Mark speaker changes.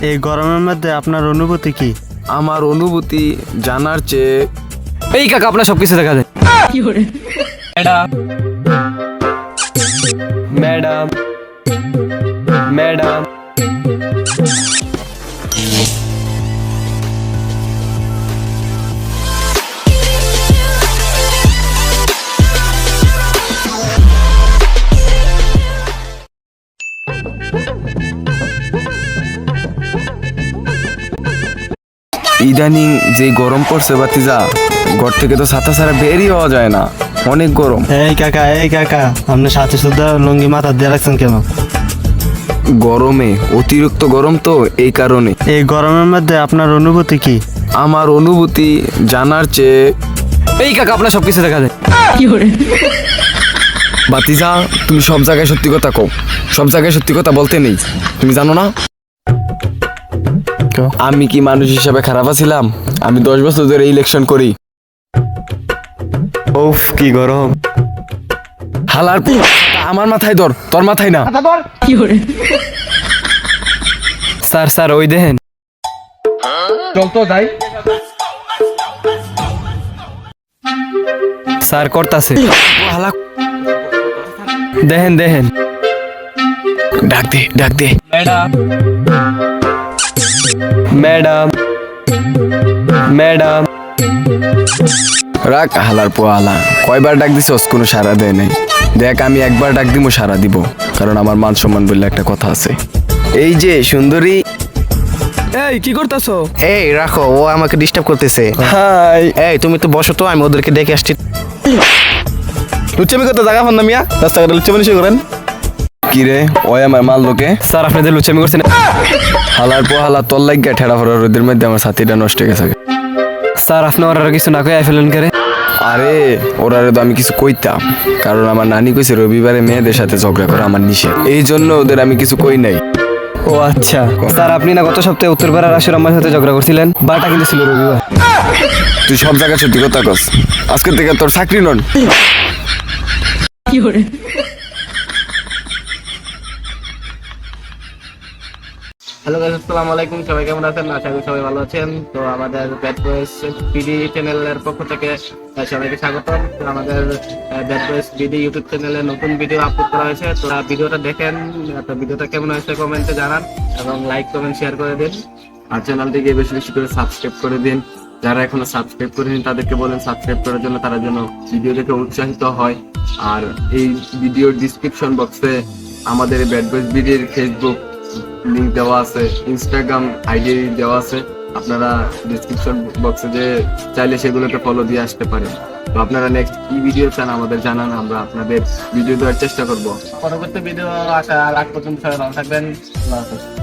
Speaker 1: এই গরমের মধ্যে আপনার অনুভূতি কি?
Speaker 2: আমার অনুভূতি জানার চেয়ে
Speaker 3: এই কাকা আপনার সবকিছু দেখা যায়। ম্যাডাম ম্যাডাম
Speaker 2: ইদানিং যে গরম পড়ছে বাতিজা, ঘর থেকে তো ছাতা ছাড়া বেরই হওয়া যায় না, অনেক গরম।
Speaker 1: এই কাকা আপনি সাথে সাথে লুঙ্গি মাথা দিয়ে রাখছেন কেন?
Speaker 2: গরমে অতিরিক্ত গরম তো, এই কারণে।
Speaker 1: এই গরমের মধ্যে আপনার অনুভূতি কি?
Speaker 2: আমার অনুভূতি জানার চেয়ে
Speaker 3: এই কাকা আপনার সবকিছু দেখা যায়।
Speaker 2: বাতিজা, তুমি সব জায়গায় সত্যি কথা কও, সব জায়গায় সত্যি কথা বলতে নেই, তুমি জানো না আমি কি মানুষ হিসাবে খারাপ আছিলাম? আমি 10 বছর ধরে ইলেকশন করি।
Speaker 1: উফ কি গরম।
Speaker 2: হালার আমার মাথায় ধর, তোর মাথায় না।
Speaker 3: স্যার ওই দেখেন।
Speaker 2: চল তো যাই।
Speaker 3: স্যার করতাছে,
Speaker 2: হালা
Speaker 3: দেখেন
Speaker 2: ডাক দে।
Speaker 3: ম্যাডাম ম্যাডাম ম্যাডাম
Speaker 2: রাখ হালার পোয়ালা, কয়বার ডাক দিছস, কোনো সাড়া দেয় নাই। দেখ আমি একবার ডাক দিব, সাড়া দিব, কারণ আমার মান সম্মান বললে একটা কথা আছে। এই যে সুন্দরী।
Speaker 3: এই কি করতাছো?
Speaker 4: এই রাখো, ও আমাকে ডিস্টার্ব করতেছে।
Speaker 2: হাই,
Speaker 4: এই তুমি তো বসো তো, আমি ওদেরকে ডেকে আসছি।
Speaker 2: লুচ্চামি করতে জায়গা পান না মিয়া, রাস্তাঘাটে লুচ্চামি নিশ্চয় করেন। কি রে, ওই আমার মাল লোকে।
Speaker 3: স্যার আপনি যে লুচামি করছেন।
Speaker 2: হালার পোহালা তোর লাগিয়া ঠেড়া ফোড়া রোদের মধ্যে আমার সাথীটা নষ্ট হয়ে গেছে।
Speaker 3: স্যার আপনি ওরা কিছু না কয়ে ফেলেন করে।
Speaker 2: আরে ওরারে তো আমি কিছু কইতাম, কারণ আমার নানি কইছে রবিবারে মেয়েদের সাথে ঝগড়া করা আমার নিষেধ, এই জন্য ওদের আমি কিছু কই নাই।
Speaker 3: ও আচ্ছা। স্যার আপনি না গত সপ্তাহে উত্তরপাড়ার আসর আমার সাথে ঝগড়া করছিলেন, বারটা কিন্তু ছিল রবিবার।
Speaker 2: তুই সব জায়গায় সত্যি কথা কস, আজকে থেকে তোর চাকরি নন।
Speaker 4: হ্যালো গাইস, আসসালামু আলাইকুম। সবাই কেমন আছেন? আশা করি সবাই ভালো আছেন। তো আমাদের ব্যাড বয়েস বিডি চ্যানেলের পক্ষ থেকে সবাইকে স্বাগতম। তো আমাদের ব্যাড বয়েস বিডি ইউটিউব চ্যানেলে নতুন ভিডিও আপলোড করা হয়েছে। তো ভিডিওটা দেখেন, তো ভিডিওটা কেমন হয়েছে কমেন্টে জানান এবং লাইক কমেন্ট শেয়ার করে দিন।
Speaker 2: আর চ্যানেলটিকে বেশি বেশি করে সাবস্ক্রাইব করে দিন। যারা এখনো সাবস্ক্রাইব করেনি তাদেরকে বলেন সাবস্ক্রাইব করার জন্য, তারা যেন ভিডিও দেখে উৎসাহিত হয়। আর এই ভিডিওর ডিসক্রিপশন বক্সে আমাদের ব্যাড বয়েস বিডির ফেসবুক লিংক দেওয়া আছে, ইনস্টাগ্রাম আইডি দেওয়া আছে, আপনারা ডিসক্রিপশন বক্সে যে চাইলে সেগুলোকে ফলো দিয়ে আসতে পারেন। তো আপনারা নেক্সট কি ভিডিও চান আমাদের জানান, আমরা আপনাদের ভিডিও দেওয়ার চেষ্টা করব।
Speaker 4: পরবর্তী ভিডিও আসা আগ পর্যন্ত সবাই ভালো থাকবেন। আল্লাহ হাফেজ।